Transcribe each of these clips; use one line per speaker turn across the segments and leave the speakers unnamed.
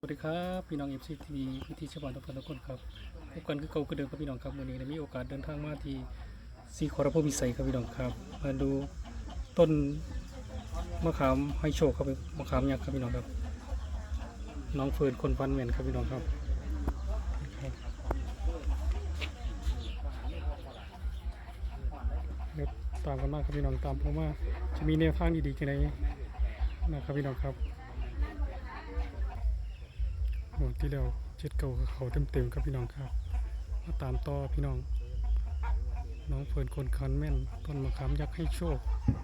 สวัสดีครับพี่น้อง FC TV พิธีชาวบ้านทุกคนครับพบกันคือเก่าคือเดิมครับพี่น้องครับวันนี้ได้มีโอกาสเดินทางมาที่ศรีขอรภูมิไสครับพี่น้องครับมาดูต้นมะขามให้โชคครับมะขามยักษ์ครับพี่น้องครับน้องเฟิร์นคนฟันแม่นครับพี่น้องครับเดี๋ยวตามกันมากครับพี่น้องตามผมว่าจะมีแนวทางดีๆกันไหนนะครับพี่น้องครับหมดที่แล้วเจ็ดเก่าเขาเต็มครับพี่น้องครับมาตามต่อพี่น้องน้องเฟิร์นคนคันแม่นต้นมะขามยักษ์ให้โชค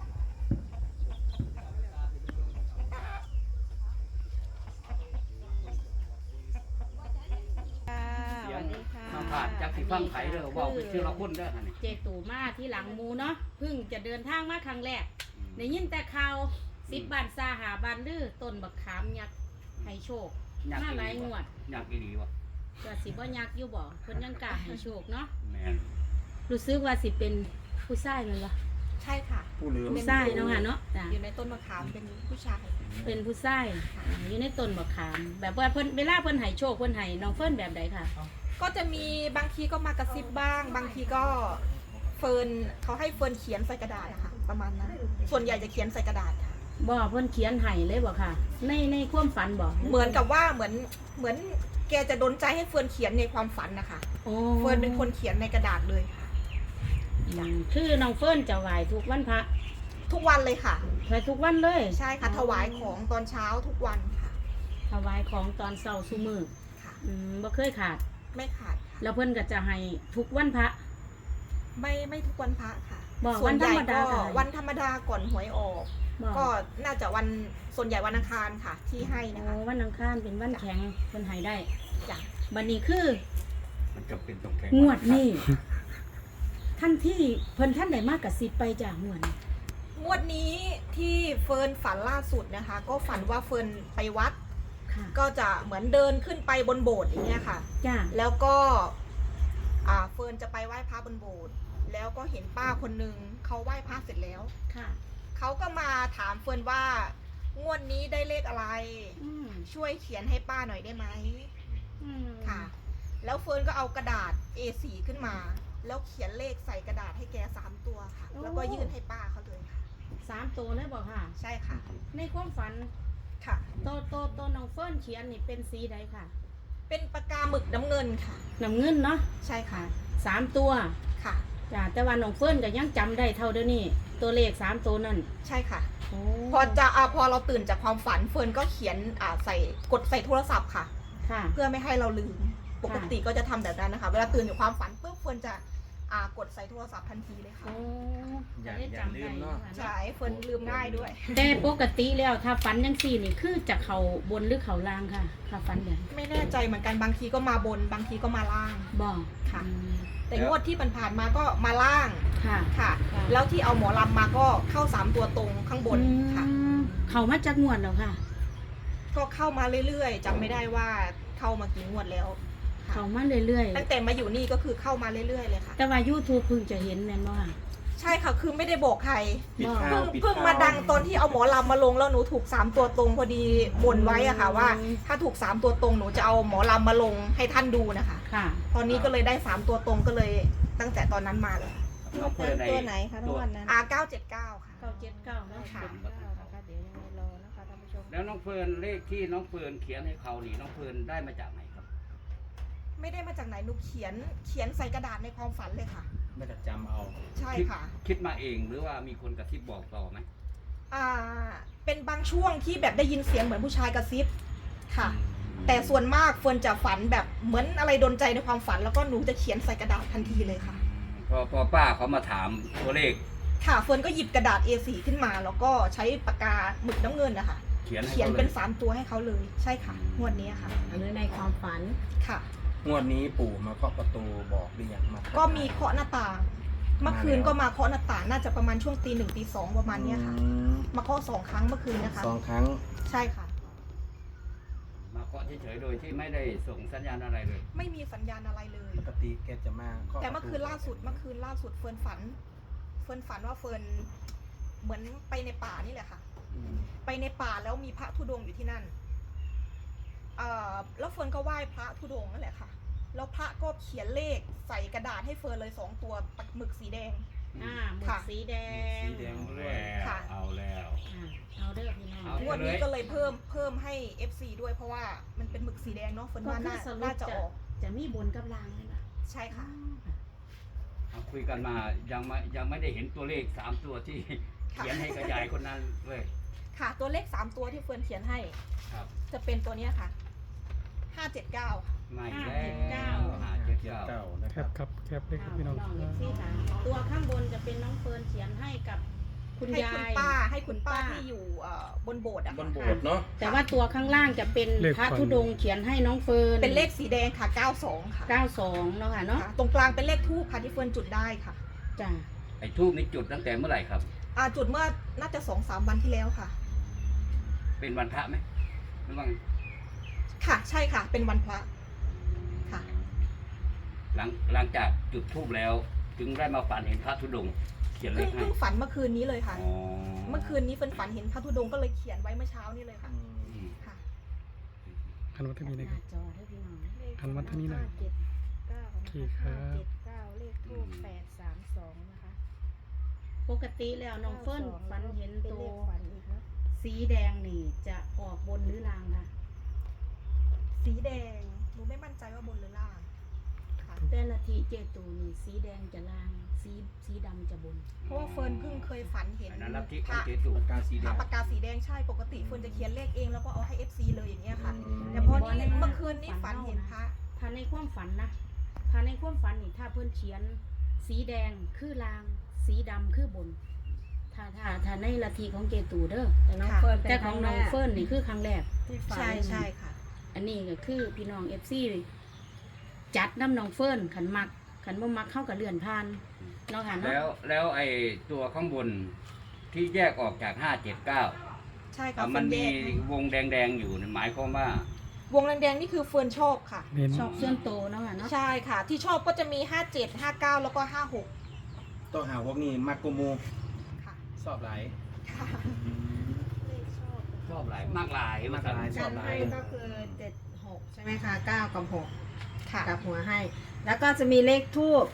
สวัสดีค่ะ
มาผ่านจากสิฟังไผ่เด้อบอกเป็นชื่อละคนเด้อค่ะนี่
เจตูมาที่หลังมูเนาะเพิ่งจะเดินทางมาครั้งแรกได้ยินแต่ข่าว10 บาทซาหาบานลือต้นบักขามยักษ์ให้โชคมาหลายงวด
อยากอีหลีวะ
ก็สิบ่ยักษ์อยู่บ่เพิ่นยังกล้าให้โชคเนาะ
แม่น
รู้สึกว่าสิเป็นผู้ชายแม่นบ่
ใช่ค่ะ
ผู้ลืม
ผู้ชายเนาะค่ะเนาะจ้ะ
อยู่ในต้นมะขามเป็นผู้ชาย
เป็นผู้ชายอยู่ในต้นบักขาม แบบว่าเพิ่นเวลาเพิ่นให้โชคเพิ่นให้น้องเฟิร์นแบบใดค่ะ
ก็จะมีบางทีก็มากระซิบบ้าง บางทีก็เฟิร์นเขาให้เฟิร์นเขียนใส่กระดาษนะคะประมาณนั้นส่วนใหญ่จะเขียนใส่กระดาษค่ะ
บ่เพิ่นเขียนให้เลยบ่ค่ะ ในความฝันบ่
เหมือนกับว่าเหมือนแกจะดลใจให้เฟิร์นเขียนในความฝันนะคะ
โอ้
เฟิร์นเป็นคนเขียนในกระดาษเลยค่ะ
คือน้องเฟิร์นจะไหว้ทุกวันพระ
ทุกวันเลยค่ะ
ไหว้ทุกวันเลย
ใช่ค่ะถวายของตอนเช้าทุกวันค่ะ
ถวายของตอนเช้าซุมื้อ
ค่ะ
บ่เคยขาด
ไม่ขาดค่ะ
แล้วเพิ่นก็จะให้ทุกวันพระ
ไม่ทุกวันพระค่ะ
บอก
ส่วนใหญ่
วันธรรมดา
ก็
ค่ะ
วันธรรมดาก่อนหวยออก
บอก
ก็น่าจะวันส่วนใหญ่วันอังคารค่ะ ที่ให้นะ
โอ้
คะ
วันอังคารเป็นวันแข็งเพิ่นให้ได้
จ้ะ
บัดนี้คือ
มันจะเป็นตรงแข็ง
งวดนี้ท่านที่เพิ่นท่านได้มากกับ10ไปจากงวดนี้
งวดนี้ที่เฟิร์นฝันล่าสุดนะคะ ก็ฝันว่าเฟิร์นไปวัด
ค่ะ
ก็จะเหมือนเดินขึ้นไปบนโบสถ์อย่างเงี้ยค่ะ
จ้า
แล้วก็เฟิร์นจะไปไหว้พระบนโบสถ์แล้วก็เห็นป้าคนนึงเขาไหว้พระเสร็จแล้ว
ค่ะ
เขาก็มาถามเฟิร์นว่างวดนี้ได้เลขอะไร
อืม
ช่วยเขียนให้ป้าหน่อยได้ไหม
อืม
ค่ะ แล้วเฟิร์นก็เอากระดาษ A4 ขึ้นมา แล้วเขียนเลขใส่กระดาษให้แก3 ตัวค่ะ แล้วก็ยื่นให้ป้าเขาเลยค่ะ
3ตัวเลยบ่ค่ะ
ใช่ค่ะ
ในความฝัน
ค่ะ
โตน้องเฟิร์นเขียนนี่เป็นสีใดค่ะ
เป็นปากกาหมึกน้ำเงินค่ะ
น้ำเงินเนาะ
ใช่ค่ะ
3ตัว
ค่ะ
จ้าแต่ว่าน้องเฟิร์นก็ยังจำได้เท่าเดิมนี่ตัวเลข3ตัวนั่น
ใช่ค่ะ
โอ้
พอเราตื่นจากความฝันเฟิร์นก็เขียนกดใส่โทรศัพท์ค่ะ
ค่ะ
เพื่อไม่ให้เราลืม ปกติก็จะทำแบบนั้นนะคะ เวลาตื่นจากความฝันปุ๊บเฟิร์นจะกดใส่โทรศัพท์ทันทีเลยค่ะ
โอ้
อย่า
ได้
อย่า
จำ
ลื
ได้
ม
เนาะ
เนาะ
ใช่เฟิร์นลืมง่ายด้วย
แต่ปกติแล้วถ้าฝันยังสี่นี่คือจะเขาบนหรือเขาล่างค่ะ ถ้าฝันแบบ
ไม่แน่ใจเหมือนกันบางทีก็มาบนบางทีก็มาล่าง
บอก
ค่ะ
อืม
แต่งวดที่ผ่านๆมาก็มาล่าง
ค่ะ
ค่ะ
ค่ะ
แล้วที่เอาหมอลำมาก็เข้า3 ตัวตรงข้างบนค่ะ
อืมเขามาจากงวดแล้วค่ะ
ก็เข้ามาเรื่อยๆจำไม่ได้ว่าเข้ามากี่งวดแล้วค่ะ
เขามาเรื่อย
ตั้งแต่มาอยู่นี่ก็คือเข้ามาเรื่อยๆเลยค่ะ
ๆแต่ว่า YouTube เพิ่งจะเห็นแม่นบ่ค่ะ
ใช่ค่ะคือไม่ได้บอกใคร
ปิด
บอก
ข่าว
เพิ่งมาดังตอนที่เอาหมอลำมาลงแล้วหนูถูก3 ตัวตรงพอดีบ่นไว้อะค่ะว่า ถ้าถูก3 ตัวตรงหนูจะเอาหมอลำมาลงให้ท่านดูนะคะ
ค่ะ
ตอนนี้ก็เลยได้3 ตัวตรงก็เลยตั้งแต่ตอนนั้นมาเลย
น้องเฟิร์น
ตัวไหนคะทุกวันนั้น
979ค่ะ
979เนาะ
ค่ะ
นะคะเดี๋ยวยังไงรอนะคะท่านผู้ชม
แล้วน้องเฟิร์นเลขที่น้องเฟิร์นเขียนให้เขานี่น้องเฟิร์นได้มาจากไหนครับ
ไม่ได้มาจากไหนหนูเขียนใส่กระดาษในความฝันเลยค่ะ
ไม่ได้จำเอา
ใช่ค่ะ
คิดมาเองหรือว่ามีคนกระซิบบอกต่อไหม
เป็นบางช่วงที่แบบได้ยินเสียงเหมือนผู้ชายกระซิบค่ะ แต่ส่วนมากเฟิร์นจะฝันแบบเหมือนอะไรดนใจในความฝัน แล้วก็หนูจะเขียนใส่กระดาษทันทีเลยค่ะ
พอป้าเขามาถามตัวเลข
ค่ะเฟิร์นก็หยิบกระดาษ A4 ขึ้นมา แล้วก็ใช้ปากกาหมึกน้ำเงินนะคะ
เขียนให้
เขียน
เขาเล
เป็
ย
น3 ตัวให้เขาเลย ใช่ค่ะงวดนี้ค่ะ
อันนี้ในความฝัน
ค่ะ
งวดนี้ปู่มาเคาะประตูบอกหรือยังมาทั
ก็มีเคาะหน้าต่าง เมื่อคืนก็มาเคาะหน้าต่างน่าจะประมาณช่วงตี 1ตี 2ประมาณเนี้ยค่ะ
อืม
มาเคาะ2 ครั้งเมื่อคืนนะคะ
2 ครั้ง
ใช่ค่ะ
มาเคาะเฉยๆโดยที่ไม่ได้ส่งสัญญาณอะไรเลย
ไม่มีสัญญาณอะไรเลย
ปกติแกจะมาเคาะ
แต่เมื่อคืนล่าสุดเเฟิร์นฝันว่าเฟิร์นเหมือนไปในป่านี่แหละค่ะ
อืม
ไปในป่าแล้วมีพระธุดงค์อยู่ที่นั่นแล้วเฟิร์นก็ไหว้พระธุดงค์นั่นแหละค่ะแล้วพระก็เขียนเลขใส่กระดาษให้เฟิร์นเลย2 ตัวปักหมึกสีแดง
หมึก
ค่ะ
สีแดง
สีแดงด้วย
ค่ะ
เอาแล้ว
เอาเด้อพี่น้อง
เอา
งวดนี้ก็เลยเพิ่มให้ FC ด้วยเพราะว่ามันเป็นหมึกสีแดงเนาะเฟิร์น
ก็
ว่า
คือสรุ
น่า
ป
จะ
จะ
ออก
จะมีบนกับล่างเลยนะ
ใช่ค่ะ
เอาคุยกันมายังไม่ได้เห็นตัวเลข3ตัวที่
ค่ะ
เขียนให้กระยายคนนั้นเลย
ค่ะตัวเลข3 ตัวที่เฟิร์นเขียนให้
ครับ
จะเป็นตัวเนี้ยค่ะ579
ไม่แล้ว
เกียร์
579
เก้านะ
แค
ครับ
บครับแคบเลยครับ
พี่
พี่
น้
น้
อ
อง ง
เอฟซีค่ะตัวข้างบนจะเป็นน้องเฟิร์นเขียนให้กับคุณ
ให้
ยา
คุณ
ย
ป้าให้คุณป้าที่อยู่บนโบสถ์อะ
บ
ค่ะ
นโบสถ์เนาะ
แต่ว่าตัวข้างล่างจะเป็นพระธุดงค์เขียนให้น้องเฟิร์น
เป็นเลขสีแดงค่ะ92ค่ะ
92เนาะค่ะเนาะ
ค่ะตรงกลางเป็นเลขทูปค่ะที่เฟิร์นจุดได้ค่ะ
จ้ะ
ไอ้ทูบนี้จุดตั้งแต่เมื่อไหร่ครับ
จุดเมื่อน่าจะ2-3 วันที่แล้วค่ะ
เป็นวันพระไหมหรือว่า
ค่ะใช่ค่ะ เป็นวันพระค่ะ
หลังจากจุดทูบแล้วถึงได้มาฝันเห็นพระธุดงค์เขียนเล
เพิ่ง
ขให้
เพิ่งฝันเมื่อคืนนี้เลยค่ะ
อ๋อ
เมื่อคืนนี้เฟิร์นฝันเห็นพระธุดงค์ก็เลยเขียนไว้เมื่อเช้านี้เลยค่ะ
อืม
ค่ะ
หันมาทางนี้นะครับ
จอให้พี่น้อง
หันมาทางนี้หน่อย
579
โอเคครับ
579เลขทูป832นะคะ
ปกติแล้วน้องเฟิร์นฝันเห็น
เป็น
ตั
เล
ว
ขฝันอีกเนาะ
สีแดงนี่จะออกบนหรือล่างค่ะ
สีแดงหนูไม่มั่นใจว่าบนหรือล่างค่ะ
แต่ละทีเจตูนี่สีแดงจะล่างสีดำจะบน
เพราะว่าเฟิร์นเพิ่งเคยฝันเห็น
อันนั้นลัทธิ
พ
ของ
ระ
เจสุ
ปากกาสีแดง
ปากกาสีแดงใช่ปกติเฟิร์นจะเขียนเลขเองแล้วก็เอาให้ FC เลยอย่างเงี้ยค่ะ
อืม
แต่พอนี่เมื่อคืนนี้ฝันเห็นพระ
ถ้าในความฝันนะถ้าในความฝันนี่ถ้าเพื่อนเขียน สีแดงคือลาง สีดำคือบน ถ้าในละทีของเจตูเด้อ
แต่น้องเฟิร์นเป็น
แต่ของน้องเฟิร์นนี่คือครั้งแรก
ที่ฝัน
ใช่ใช่ค่ะ
อันนี้ก็คือพี่น้องเอฟซีจัดน้ำน้องเฟิร์นขันมักขันบ่มักเข้ากับเลื่อนผ่านเนาะค่ะเนาะ
แล้วไอ้ตัวข้างบนที่แยกออกจาก579
ใช่ค่ะ
มัน
เฟิร์น
มี
แยก
วงแดงๆอยู่หมายความว่า
วงแดงๆนี่คือเฟิร์นชอบค่ะ
เน้น
ชอบเสื่อนโตเนาะค่ะเนาะ
ใช่ค่ะ ที่ชอบก็จะมี57 59แล้วก็56
ต้องหาพวกนี้มากกูมู
ค่ะ
ชอบหลาย
ค่ะ
เลขชอบ
ชอบหลายมากหลาย
มากหลาย
กันให้ก็คือ76ใช่ไหมคะ9กับ6
ค่ะ
กับหัวให้ แล้วก็จะมีเลขทูบ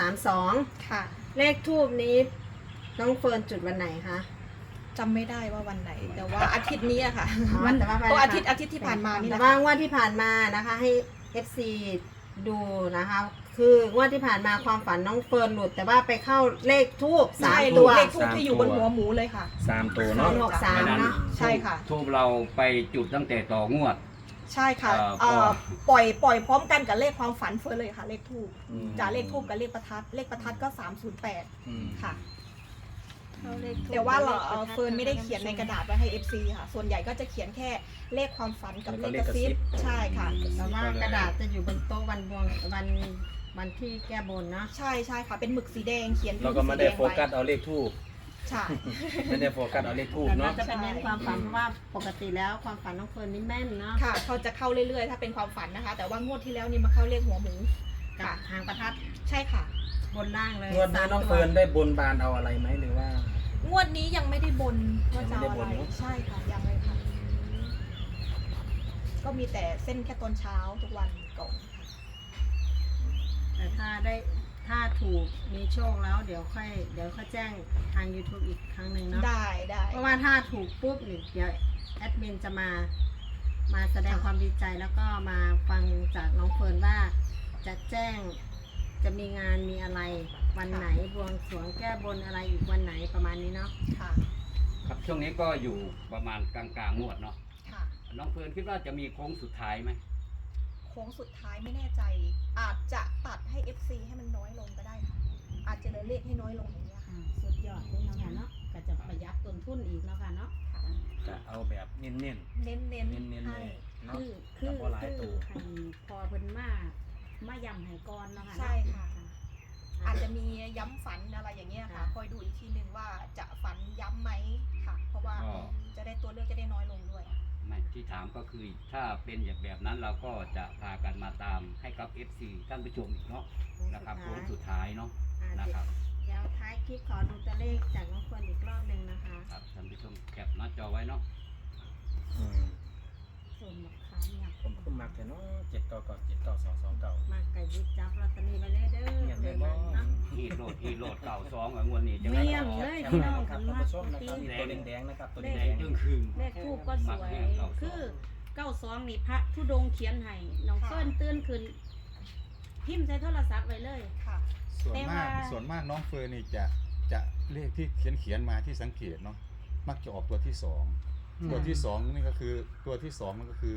832
ค่ะ
เลขทูบนี้น้องเฟิร์นจุดวันไหนคะ
จำไม่ได้ว่าวันไหน แต่ว่าอาทิตย์นี้อะค่ะ
วันแต่ว่า
ก็อาทิตย์ที่ผ่านมานี่แห
แต่
ละ
ว่า
ค่ะ
งวดที่ผ่านมานะคะให้ FC ดูนะคะ คืองวดที่ผ่านมาความฝันน้องเฟิร์นหลุด แต่ว่าไปเข้าเลขทูบ
ใช่
3
เล
ตัว
ขทูบที่อยู่บนหัวหมูเลยค่ะ
3 ตัวเนาะ
363เนาะ
ใช่ค่ะ
ทูบเราไปจุดตั้งแต่ต่องวด
ใช่ค่ะ
ก็
ปล่อยพร้อมกันกับเลขความฝันเฟิร์นเลยค่ะ เลขทูบ
อืม
จากเลขทูบกับเลขประทัด เลขประทัดก็308
อืม
ค่ะ
เข้าเลขทูป
แต่ว่าเรา
ลขประทัด
เฟิร์นไม่ได้เขียนในกระดาษไว้ให้ FC ค่ะ ส่วนใหญ่ก็จะเขียนแค่เลขความฝันกับ
แล้ว
เล
ก็
ขกระซิบ
เลขกระซิบ
ใช่ค่ะ
แต่ว่ากระดาษจะอยู่บนโต๊ะวันที่แก้บนเนาะ
ใช่ใช่ค่ะ เป็นหมึกสีแดงเขียน
เราก็ไม่ได้โฟกัสเอาเลขทูบ
ใช่
ไม่ได้โฟกัสเอาเลขทูบ
แต่เรา
เนาะ
จะเป็นเน้นความฝันเพราะว่าปกติแล้วความฝันน้องเฟิร์นนี่แม่นเนาะ
ค่ะเขาจะเข้าเรื่อยๆ ถ้าเป็นความฝันนะคะ แต่ว่างวดที่แล้วนี่มาเข้าเลขหัวหมู
กับ
ค่ะ
หางประทัด
ใช่ค่ะ
บนล่างเลย
งวดนี้น้องเฟิร์นได้บนบานเอาอะไรไหมหรือว่า
งวดนี้ยังไม่ได้บนว่าจะเอา
ยังไม่ได้บ
อะ
น
ไร
เนอะ
ใช่ค่ะยังเลยค่ะ ก็มีแต่เส้นแค่ตอนเช้าทุกวันก่อน
แต่ถ้าถูกมีโชคแล้วเดี๋ยวค่อยแจ้งทาง YouTube อีกครั้งหนึ่งเนาะ
ได้ได้
เพราะว่าถ้าถูกปุ๊บนี่เดี๋ยวแอดมินจะมาแสดงความดีใจแล้วก็มาฟังจากน้องเฟิร์นว่าจะแจ้งจะมีงานมีอะไรวันไหนบวงสรวงแก้บนอะไรอีกวันไหนประมาณนี้เนาะ
ค่ะ
ครับช่วงนี้ก็อยู่ประมาณกลางๆงวดเนาะ
ค่ะ
น้องเฟิร์นคิดว่าจะมีโค้งสุดท้ายไหม
โค้งสุดท้ายไม่แน่ใจ อาจจะตัดให้ FC ให้มันน้อยลงก็ได้ค่ะ อาจจะเหลือเลขให้น้อยลงอย่างเงี้ยค่ะ
สุดยอดเลยเนาะค่ะเนาะก็จะประหยัดต้นทุนอีกเนาะค่ะเนาะ
จะเอาแบบเน้น
เน้น
ๆ เน้นๆ
ให้
เลยเนาะ
คือ
แต่บ่หลายตัว
ให้พอเพิ่นมาย่ำให้ก่อนเนาะค่ะ
ใช่
เนาะ
ค่ะ อาจจะมีย้ำฝันอะไรอย่างเงี้ยค่ะ คอยดูอีกทีนึงว่าจะฝันย้ำไหมค่ะ เพราะว่า
ก็
จะได้ตัวเลือกจะได้น้อยลงด้วย
ไม่ที่ถามก็คือถ้าเป็นอย่างแบบนั้นเราก็จะพากันมาตามให้กับ FC ท่านผู้ชมอีกเนาะนะครับโค้งสุดท้ายเนาะ
อ่า
นะครับ
เดี๋ยวท้ายคลิปขอดูตัวเลขจากน้องเฟิร์นอีกรอบหนึ่งนะคะ
ครับท่านผู้ชมแคปหน้าจอไว้เนาะ
อืม
ส่วนมะขามยักษ์
ผมขึ้นมักแต่เนาะ799
มากกับยิบจับลอตเตอรี่ไปเลยเด้อ
เนี่ย
เดื
แม่
อน
บ่
นั้นเนาะ
ฮีโรดเก่าสองงวดนี้จะ
เมี่
ไม่
ยง
ออก
เลย
ใช่
พี่
ไหม
น้อง
ครั
คั
บ
น
ท่าน
มาก
ผู้ชมนะค
ตี
รับตัวแดงๆนะครับตัว
แด
แด
ง
ง
จึงคืน
เลขทูบก็สวยคือ92นี่พระธุดงค์เขียนให้น้องเฟิร์นตื่นขึ้นพิมพ์ใส่โทรศัพท์ไว้เลย
ค่ะ
ส่วน
แต่
มาก
ว่า
ส่วนมากน้องเฟิร์นนี่จะเลขที่เขียนมาที่สังเกตเนาะมักจะออกตัวที่สองตัวที่สองนี่ก็คือตัวที่สองมันก็คือ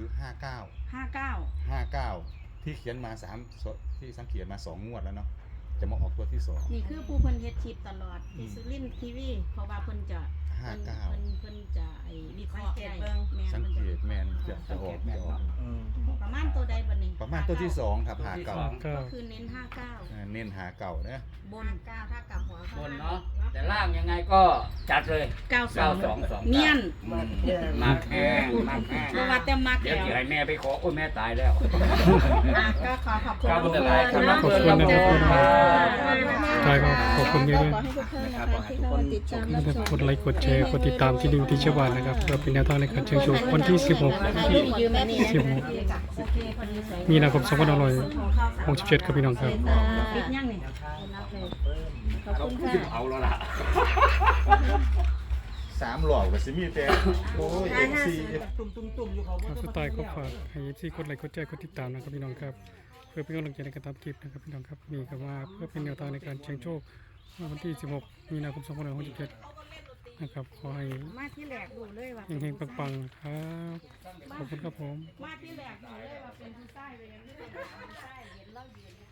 59ที่เขียนมาที่สังเกตมา2 งวดแล้วเนาะจะมาออกตัวที่สอง
นี่คือผู้เพิ่นเฮ็ดคลิปตลอดที่สุรินทร์ทีวีเพราะว่าเพิ่นจะ
59
เพิ่นจะไอ้วิเคราะห์ได้แม่
สัง
เพิ่น
เก
จะ
ตแมนจะออก
อืม
ประมาณตัวใดบัดนี้
ประมาณตัวที่สองครับ59
ก็คือเน้น59
เน้นหาเก่านะ
บน
ก้าวถ้ากลับหัว
บนเนาะแต่ล่างยังไงก็จัดเลย
92เนียน
มากแห้งมากแห้ง
บ่ว่าแต่มัก
เดี๋ยว
แล้ว
จะให้แม่ไปขอโอ้ยแม่ตายแล้ว
ก็ขอขอบคุณ
ครับ
ทุก
ข
ค
อบ
น
คุณ
เนาะ
ขอบคุณครับ
ใช่ครับขอบคุณเยอะ
ขอให้ทุกท่านนะคะที่เข้ามาติดตามรับชม
ๆกดไลค์กดแชร์กดติดตามที่นิวที่เชื่อบ้านนะครับเพื่อเป็นแนวทางในการเชิญชมวันที่
ยืมแม่นี่
16 มีนาคม2567ครับพี่น้องครับ
ปิดยังนี่
เขาพูดเอาแล้วล่ะ
3 หลอกกับซิมีแต่โอ้ย FC
สุดท้ายก็ฝากให้ที่กดไลค์กดแชร์กดติดตามนะครับพี่น้องครับเพื่อเป็นกำลังใจในการทำคลิปนะครับพี่น้องครับมีคำว่าเพื่อเป็นแนวทางในการเชิงโชควันที่ 16 มีนาคม2567นะครับขอให้
มาที่แรกดูเลยว่า
เฮงๆปังๆครับขอบคุณครับผม
มาที่แรกดูเลยว่าเป็นผู้ชายเลยผู้ชายเห็นเรายืน